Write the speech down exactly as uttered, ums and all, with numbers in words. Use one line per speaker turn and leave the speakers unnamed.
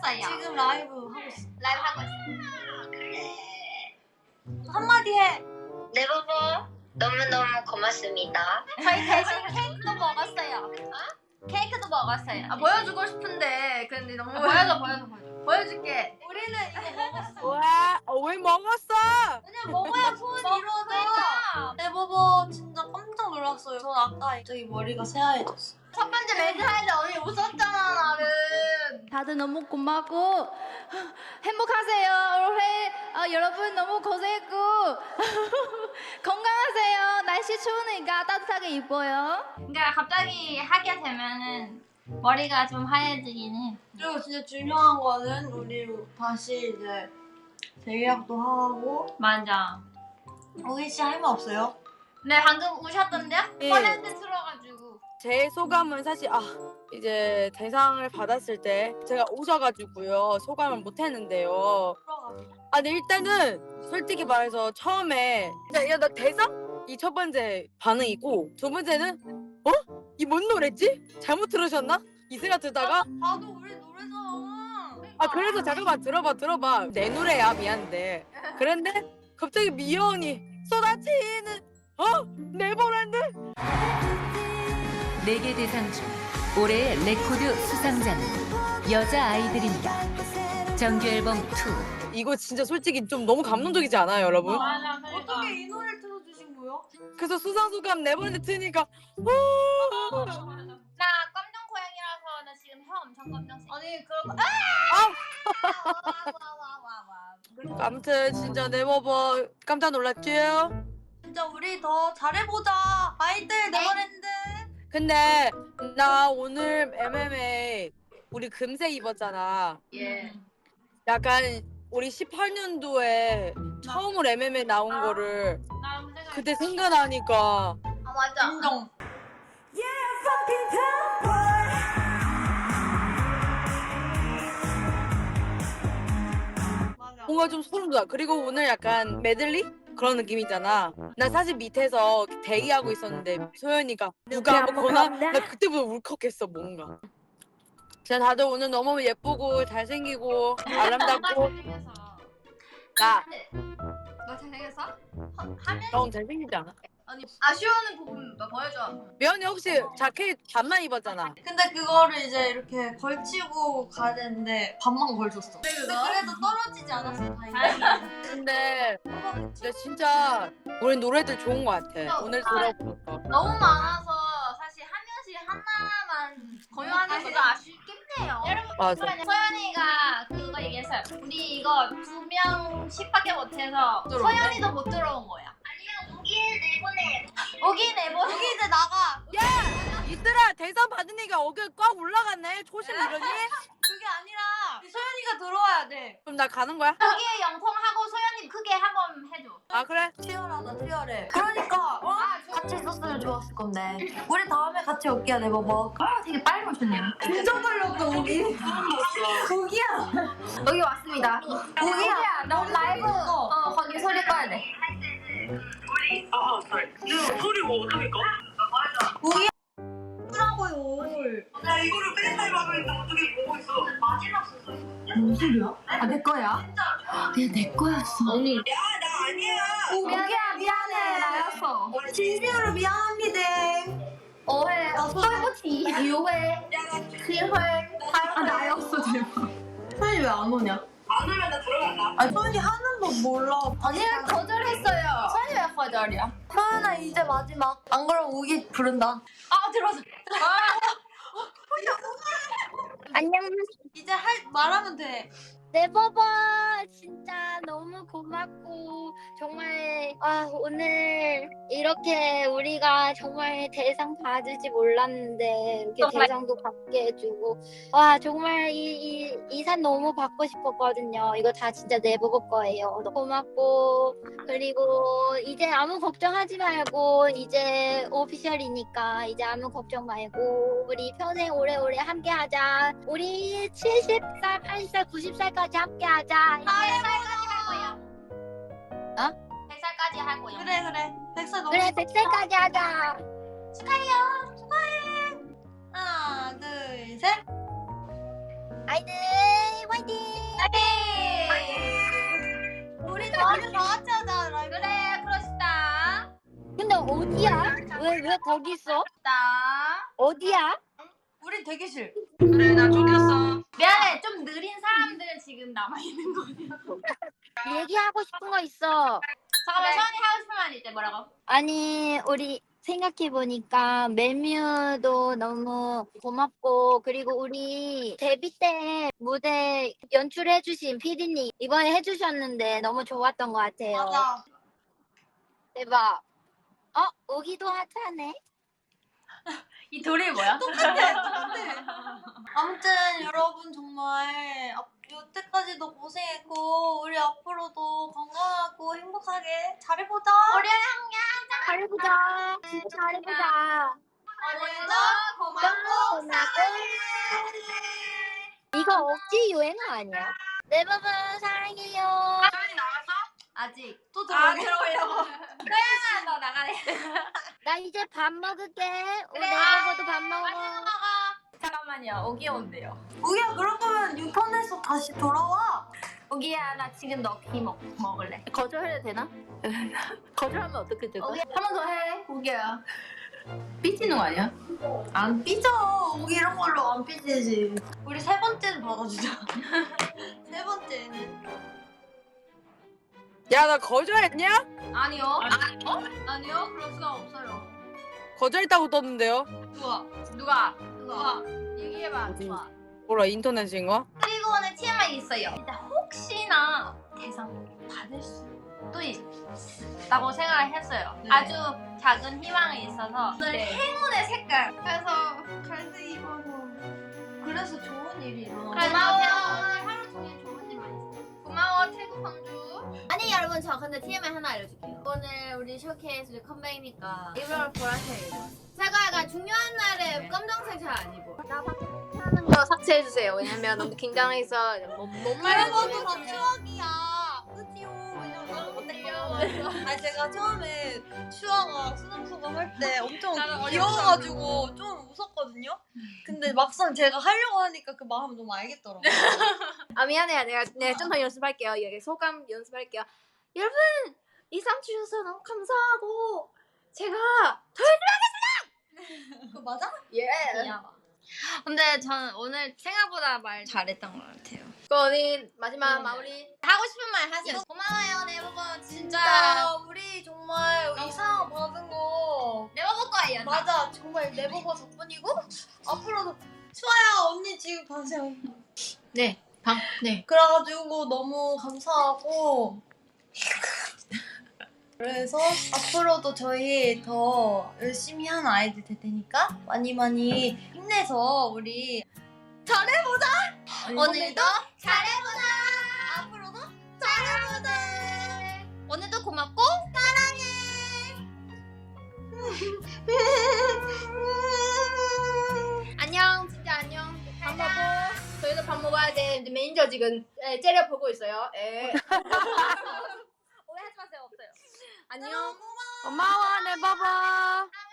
있어요.
지금 라이브 하고 있어.
라이브 하고 있어.
그래.
한마디 해.
네버버 너무너무 고맙습니다.
저희 대신 케이크도 먹었어요. 어? 케이크도 먹었어요.
아 보여주고 싶은데 근데 너무
아, 보여줘 보여줘 보여줘.
보여줄게.
우리는 이거 먹었어.
와, 어, 왜 먹었어?
그냥 먹어야 소원이 이루어져. 네버버 진짜 깜짝 놀랐어요. 전 아까 갑자기 머리가 새하얘졌어.
첫 번째 매드 할때 언니 웃었잖아 나는.
다들 너무 고맙고 행복하세요. 올해 어, 여러분 너무 고생했고 건강하세요. 날씨 추우니까 따뜻하게 입어요.
그러니까 갑자기 하게 되면은 머리가 좀 하얘지긴 해.
그리고 진짜 중요한 거는 우리 다시 이제 재계약도 하고.
맞아.
우기 씨 할 말 없어요?
네 방금 우셨던데요?
예.
뻔했는데 들어가지고.
제 소감은 사실 아 이제 대상을 받았을 때 제가 오셔가지고요 소감을 못했는데요. 아 근데 일단은 솔직히 말해서 처음에 야 나 대상? 이 첫 번째 반응이고 두 번째는 어? 이 뭔 노래지? 잘못 들으셨나? 이 생각 들다가
봐도 우리 노래잖아.
아 그래서 잠깐만 들어봐 들어봐 내 노래야 미안한데 그런데 갑자기 미연이 쏟아지는 어? 네버랜드?
네 개 대상 중 올해의 레코드 수상자는 여자 아이들입니다. 정규 앨범 투.
이거 진짜 솔직히 좀 너무 감동적이지 않아요 여러분?
맞아. 그러니까.
어떻게 이 노래를 틀어주신 거예요?
그래서 수상소감 네버랜드 트니까
나 깜짝 고양이라서 나 지금 혀 엄청 깜짝색.
아니 그럼
와와와와와.
아무튼 진짜 네버버 깜짝 놀랐죠?
진짜 우리 더 잘해보자. 아이들 네버랜드.
근데 나 오늘 엠엠에이 우리 금색 입었잖아.
예.
약간 우리 십팔 년도에 처음으로 엠엠에이 나온 거를
나 생각.
그때 생각나니까
아 맞아.
인정. 맞아.
뭔가 좀 소름 돋아. 그리고 오늘 약간 메들리? 그런 느낌이잖아. 나 사실 밑에서 대기하고 있었는데 소연이가 누가 한번 거나? 나 그때부터 울컥했어 뭔가. 진짜 다들 오늘 너무 예쁘고 잘생기고 아름답고 나
너 잘생겼어?
하면
너무 잘생기지 않아?
아니 아쉬워하는 부분 뭐 보여줘.
미연이 혹시 자켓 반만 입었잖아.
근데 그거를 이제 이렇게 걸치고 가야 되는데 반만 걸쳤어. 근데 그래도 떨어지지 않았어 다행히.
근데 근데 진짜 우리 노래들 좋은 거 같아. 오늘 들어보니까.
너무 많아서 사실 한 명씩 하나만 공유하는 것도 아쉽겠네요. 여러분
맞아.
서연이가 그거 얘기했어요. 우리 이거 두 명씩밖에 못해서 서연이도 못 들어온 거야. 아니면 오길 내보내. 오길 내보내.
여기 이제 나가.
이들아 대상 받으니까 어깨 꽉 올라갔네. 초심 이러니?
그게 아니라 소연이가 들어와야 돼.
그럼 나 가는 거야?
오길 영통하고 서연이 크게 한번 해줘.
아 그래?
치열하다 치열해. 그러니까 어? 같이 있었으면 좋았을 건데. 우리 다음에 같이 올게요 네버버.
아 되게 빨리 오셨네요.
진짜 떨렸어 우기. 우기야.
여기 왔습니다.
우기야.
너 라이브
어.
어 거기 소리 꺼야 돼.
아, sorry. 네, 소리 뭐 어떻게 꺼?
우기야. 라고요.
나 이거를 맨날 하고 있는데 어떻게 보고 있어? 마지막 순서.
무슨 소리야?
아 내 거야?
그냥 내 거였어.
언니.
야, 나 아니야.
우기야 미안해.
나였어.
진심으로 미안합니다.
오해. 똘보치. 유회.
야, 나
기회. 아 나였어 제발.
소연이 왜 안 오냐?
안 오면 나 들어간다.
아니 소연이 하는 법 몰라.
언니 거절했어요. 서연이 왜 거절이야?
소연아 이제 마지막. 안 그러면 우기 부른다.
아 들어왔어.
안녕
이제 할 말하면 돼.
네버버 진짜 너무 고맙고 정말 아 오늘 이렇게 우리가 정말 대상 받을지 몰랐는데 이렇게
정말.
대상도 받게 해주고 와 정말 이 이 산 너무 받고 싶었거든요. 이거 다 진짜 네버버 거예요. 너무 고맙고 그리고 이제 아무 걱정하지 말고 이제 오피셜이니까 이제 아무 걱정 말고 우리 평생 오래오래 함께하자. 우리 칠십 살, 팔십 살, 구십 살까지 함께하자.
백 살까지 할 거야.
어?
백 살까지 할 거야.
그래 그래. 백살 너무
그래 백 살까지 하자.
축하해요. 축하해. 하나 둘 셋.
아이들 화이팅!
우리 다음에 다 같이 하자 라이브.
그래 그러시다.
근데 어디야? 왜 왜 거기 있어?
다
어디야?
우리 대기실.
그래 나 쫓겼어.
미안해 좀 느린 사람들은 지금 남아 있는 거야.
얘기하고 싶은 거 있어.
잠깐만
네.
서연이 하고 싶은 말 이제 뭐라고?
아니 우리 생각해 보니까 멜뮤도 너무 고맙고 그리고 우리 데뷔 때 무대 연출해주신 피디님 이번에 해주셨는데 너무 좋았던 것 같아요.
맞아.
대박. 어 오기도 하자네.
이 돌이 뭐야?
아무튼 여러분 정말 앞- 여태까지도 고생했고 우리 앞으로도 건강하고 행복하게 잘해보자.
우리
잘해보자. 진짜 잘해보자.
오늘도
고맙고 고맙고. 이거 억지 유행어 아니야? 네 부분 사랑해요.
아직
또
아
들어오게.
들어오려고. 서연아 너 나가래.
나 이제 밥 먹을게. 우리
그래.
내보고도 밥 먹어.
잠깐만요 오기 온대요.
우기야 그러면 유턴해서 다시 돌아와.
오기야 나 지금 너 귀 먹, 먹을래.
거절해도 되나? 거절하면 어떻게 될까?
오기야 한 번 더 해. 오기야.
삐지는 거 아니야?
안 삐져. 우기 이런 걸로 안 삐지지. 우리 세 번째는 받아주자. 세 번째는.
야, 나 거절했냐?
아니요. 어? 아니요 그럴 수가 없어요.
거절했다고 떴는데요.
누가? 누가? 누가? 얘기해봐.
어디?
누가?
뭐라 인터넷인가?
그리고 오늘 티엠아이 있어요. 일단 혹시나 대상 받을 수도 있다고 생각을 했어요.
네.
아주 작은 희망이 있어서 오늘
네.
행운의 색깔. 그래서
갈색 입어서. 그래서 좋은 일이 일어나.
그래서 오늘 하루 종일 좋은 일만 있어. 고마워 태국 광주.
아니 여러분 저 근데 티엠아이 하나 알려줄게요. 오늘 우리 쇼케이스 컴백이니까 일부러 보라색 입어. 제가 약간 중요한 날에 검정색 잘 안 입어. 나 하는 거 삭제해주세요. 왜냐면 너무 긴장해서 못못
그래도 다 추억이야. 그지요. 왜냐면 너무 못했거든. 아니 제가 처음에 슈아가 수능수가 할 때 엄청 귀여워가지고 좀 웃었거든요. 근데 막상 제가 하려고 하니까 그 마음 너무 알겠더라고요.
아 미안해요. 내가 내가 좀 더 연습할게요. 여기 소감 연습할게요. 여러분 이상 주셔서 너무 감사하고 제가
그거 맞아?
예.
근데 저는 오늘 생각보다 말 잘했던 것 같아요.
그거는 마지막
네.
마무리.
하고 싶은 말 하세요. 고마워요 네버버 진짜.
진짜 우리 정말 이 상 받은 거
네버버 거예요. 다.
맞아. 정말 네버버 덕분이고 앞으로도 슈아야 언니 지금 봐세요.
네. 방. 네.
그래가지고 너무 감사하고 그래서 앞으로도 저희 더 열심히 하는 아이들 될 테니까 많이 많이 힘내서 우리 잘해보자.
오늘도
잘해보자. 앞으로도 잘해보자.
오늘도 고맙고
안녕. 진짜 안녕. 밥 먹고 저희도 밥 먹어야 돼. 이제 매니저 지금 에, 째려 보고 있어요. 예. 오해하지 마세요. 없어요. 안녕.
고마워, 내 바바.